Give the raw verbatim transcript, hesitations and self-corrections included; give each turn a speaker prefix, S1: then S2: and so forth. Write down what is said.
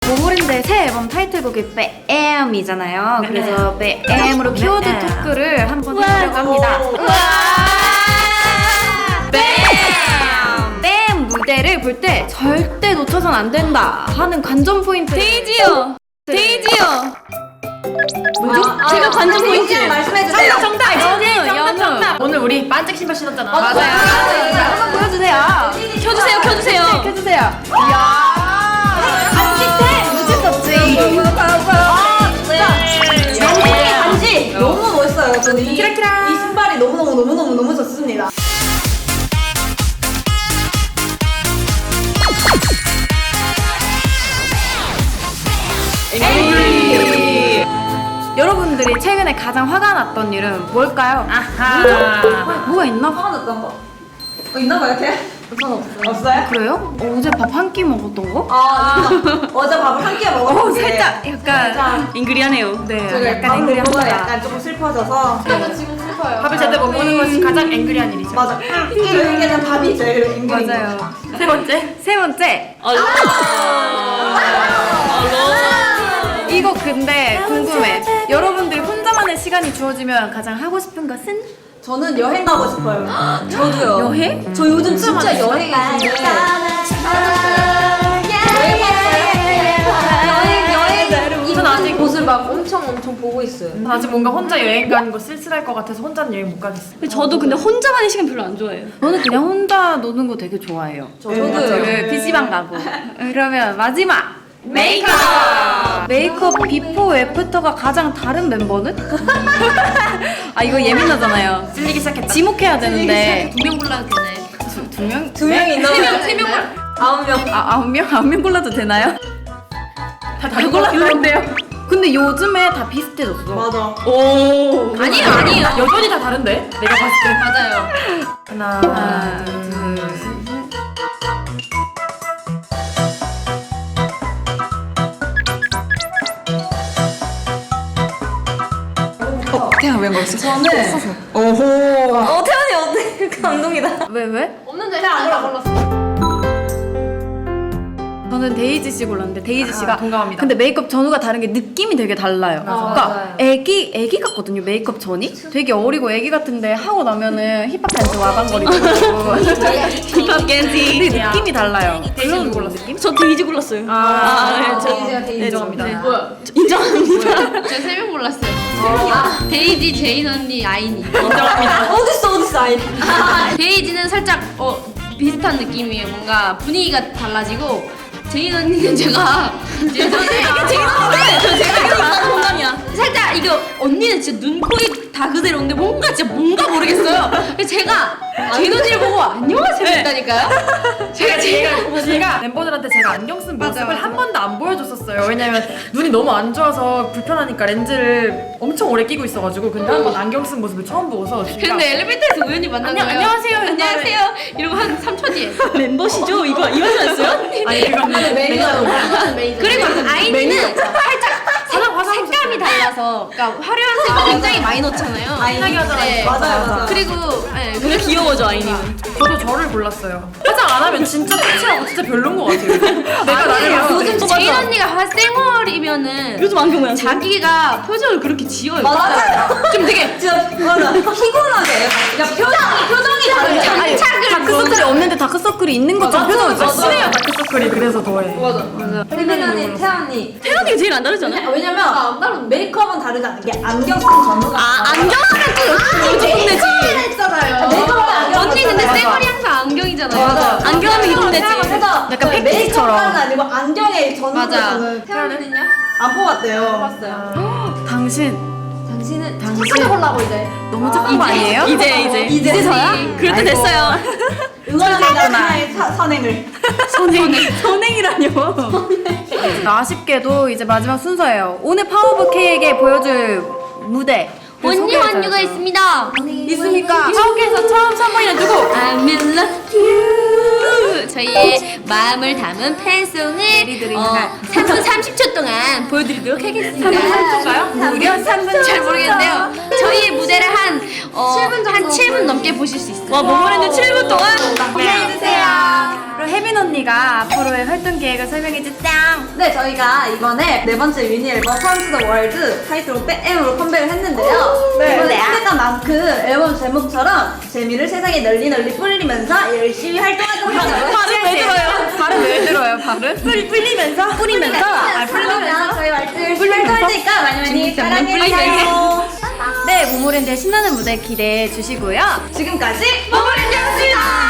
S1: 모모랜드의 새 앨범 타이틀곡이 뱀이잖아요. 그래서 뱀으로 키워드 토크를 한번 해보려고 합니다. 뱀! 뱀 무대를 볼 때 절대 놓쳐선 안 된다 하는 관전 포인트.
S2: 데이지요! 데이지요!
S1: 뭐죠?
S2: 아, 제가 관전 포인트
S3: 말씀해주세요.
S1: 정답! 연우! 연우!
S4: 오늘 우리 반짝 신발 신었잖아.
S1: 맞아요. 한번 보여주세요.
S2: 켜주세요, 켜주세요.
S1: 켜주세요. 이야. 간지태! 놓칠 수 없지.
S3: 반지 반지 너무 멋있어요. 저는 이, 이
S1: 키라키라.
S3: 신발이 너무 너무 너무 너무 너무 좋습니다.
S1: 여러분들이 최근에 가장 화가 났던 일은 뭘까요?
S4: 아하.
S1: 뭐죠? 뭐가 있나?
S3: 화가 났던 거. 어, 있나 봐요, 걔? 전 없어요. 없어요?
S1: 그래요? 어제 밥 한 끼 먹었던 거?
S3: 아, 어제 밥을 한 끼 먹었는데.
S1: 어, 살짝 약간
S2: 앵그리하네요.
S1: 네,
S3: 제가
S1: 약간
S3: 밥을 먹어서
S1: 앵그리합니다.
S3: 약간 조금 슬퍼져서.
S1: 저도 지금 슬퍼요.
S4: 밥을 제대로 못 먹는 것이 가장 앵그리한 일이죠.
S3: 맞아. 저에게는 밥이 제일 앵글인 거.
S1: 맞아요.
S4: 세 번째.
S1: 세 번째.
S2: 얼로.
S1: 이거 근데 궁금해. 여러분들이 혼자만의 시간이 주어지면 가장 하고 싶은 것은?
S3: 저는 여행 가고 싶어요.
S2: 저도요.
S1: 여행?
S2: 저 요즘 진짜 여행이 있는데. 여행, 여행.
S4: 전 아직
S2: 곳을 막 엄청 엄청 보고 있어요.
S4: 전 아직 뭔가 혼자 여행 가는 거 쓸쓸할 것 같아서 혼자는 여행 못 가겠어.
S2: 근데 저도 근데 혼자만의 시간 별로 안 좋아해요.
S1: 저는 그냥 혼자 노는 거 되게 좋아해요.
S2: 저도요.
S1: 네, 피시방 가고. 그러면 마지막!
S4: 메이크업.
S1: 메이크업 비포 애프터가 가장 다른 멤버는? 아 이거 예민하잖아요.
S4: 찔리기 시작했다.
S1: 지목해야 되는데
S2: 두 명 골라도 되나요?
S1: 두, 두 명?
S3: 두 명이 있나?
S2: 세 명, 세 명.
S3: 아홉 명.
S1: 아 아홉 명? 아홉 명 골라도 되나요?
S4: 다 다른 걸로 골랐는데요.
S1: 근데 요즘에 다 비슷해졌어.
S3: 맞아.
S4: 오.
S2: 아니에요, 아니에요.
S4: 여전히 다 다른데? 내가 봤을 때.
S2: 맞아요.
S4: 하나,
S1: 하나,
S4: 둘,
S1: 둘,
S4: 셋.
S1: 태양 왜 먹었어?
S3: 저는
S4: 오호.
S2: 어, 태연이 어때? 감동이다.
S1: 왜 왜?
S2: 없는데 안 골랐어.
S1: 저는 데이지 씨 골랐는데 데이지 씨가
S4: 동감합니다.
S1: 근데 메이크업 전후가 다른 게 느낌이 되게 달라요.
S3: 맞아요.
S1: 그러니까
S3: 맞아요.
S1: 애기 애기 같거든요. 메이크업 전이 되게 어리고 애기 같은데 하고 나면은 힙합 댄스 와방거리고
S2: 힙합 겐지.
S1: 되게 느낌이 달라요. 그런
S4: 골랐어요?
S1: 느낌?
S2: 저 데이지 골랐어요.
S4: 아,
S2: 네, 저
S3: 데이지가 데이지.
S4: 인정합니다.
S2: 네.
S4: 뭐야?
S2: 인정합니다.
S5: 제가 세 명 골랐어요. 아, 데이지, 제인 언니, 아이니.
S4: 인정합니다.
S3: 어딨어 어딨어 아이.
S5: 데이지는 살짝 어 비슷한 느낌이에요. 뭔가 분위기가 달라지고 제인 언니는 제가 예전에
S2: 제인 언니인데 저 제가 이거 공감이야.
S5: 살짝 이거 언니는 진짜 눈, 코, 입 다 그대로인데 뭔가 진짜 뭔가 모르겠어요. 그래서 제가 제인 언니를 보고 안녕하세요 했다니까요.
S4: 제가 제가 제가 멤버들한테 제가 안경 쓴 모습을
S1: 맞아.
S4: 한 번도 안 보여줬었어요. 왜냐면 눈이 너무 안 좋아서 불편하니까 렌즈를 엄청 오래 끼고 있어가지고 근데 한 번 안경 쓴 모습을 처음 보고서 진짜
S5: 근데 엘리베이터에서 우연히 만난
S4: 안녕-
S5: 거예요.
S4: 안녕하세요.
S5: 안녕하세요. 이러고 한 삼 초 뒤에.
S2: 멤버시죠? 이거 이거였어요?
S4: 아니 그건
S3: 메이크업.
S5: 그리고 아이니는 살짝
S4: 화장 화장
S5: 색감이 달라서 그러니까 화려한 색을 굉장히 많이 넣잖아요.
S4: 신나게 하잖아요.
S5: 네.
S3: 맞아요 맞아.
S5: 그리고 네,
S2: 근데 귀여워져 아이니는.
S4: 저도 저를 골랐어요. 화장 안 하면 진짜 터치하고 진짜 별론 것 같아요. 내가 나를
S5: 아니에요.
S4: 봤을 때.
S5: 요즘 제인 언니가 화 쌩얼이면은
S2: 요즘 안경 모양.
S5: 자기가 표정을 그렇게 지어요.
S3: 맞아요.
S5: 좀 되게
S3: 진짜 맞아. 피곤하게. 야 표정이 표정이 다르게.
S5: 장착을
S1: 다크서클이 없는데 다크서클이 있는 것처럼 표정을
S4: 진짜
S1: 줬어.
S4: 심해요 다크서클이 그래서 더해.
S3: 맞아. 혜민 언니, 태연 언니.
S2: 태연이가 제일 안 다르잖아요.
S3: 왜냐면 메이크업은 다르지 않은 게 안경 쓴 전후가.
S2: 아 안경하면 또 이동 되지.
S3: 했잖아요. 메이크업은 안경.
S5: 언니 근데
S3: 썼잖아요.
S5: 쌩얼이 항상 안경이잖아요.
S3: 맞아.
S2: 안경하면 이동 되지.
S3: 그래서
S1: 약간
S3: 네,
S1: 팩트처럼.
S3: 메이크업은 아니고 안경에 전후를
S5: 맞아.
S3: 저는
S5: 태연이는요?
S3: 안 뽑았대요. 뽑았어요.
S1: 당신
S5: 당신은
S1: 당신
S3: 콜라보 이제.
S1: 너무 착한 거 아니에요?
S2: 이제 이제
S3: 이제서야?
S2: 그럴 때 됐어요.
S3: 응원합니다. 나의 사- 선행을.
S1: 선행 선행이라뇨. 아쉽게도 이제 마지막 순서예요. 오늘 파워 오브 K에게 보여줄 무대
S5: 언니 완유가 있습니다.
S1: 있습니까? 파워케에서 처음 선보이는 누구?
S5: I'm in love you. 저희의 마음을 담은 팬송을 어, 삼 분 삼십 초 동안 보여드리도록 하겠습니다.
S1: 무려 삼 분
S5: 잘 모르겠는데요. 저희의 무대를 한, 어, 한 칠 분 넘게 보실 수 있어요.
S2: 와 모모랜드 칠 분 동안.
S1: 기대해주세요. 그럼 혜민 언니가 앞으로의 활동 계획을 설명해주짱.
S3: 네, 저희가 이번에 네 번째 미니 앨범 Come to the World 타이틀로 뺨으로 컴백을 했는데요.
S1: 네.
S3: 이번에 컴백한 만큼 앨범 제목처럼 재미를 세상에 널리 널리 뿌리면서 열심히 활동하도록 하겠습니다.
S1: 발음 왜 들어요? 발음 왜 들어요? 발음? 뿌리 뿌리면서 뿌리면서 아
S3: 그러면 저희 말들 열심히 활동할 테니까 많이 많이 사랑해주세요.
S1: 네, 모모랜드의 신나는 무대 기대해 주시고요.
S3: 지금까지 모모랜드였습니다.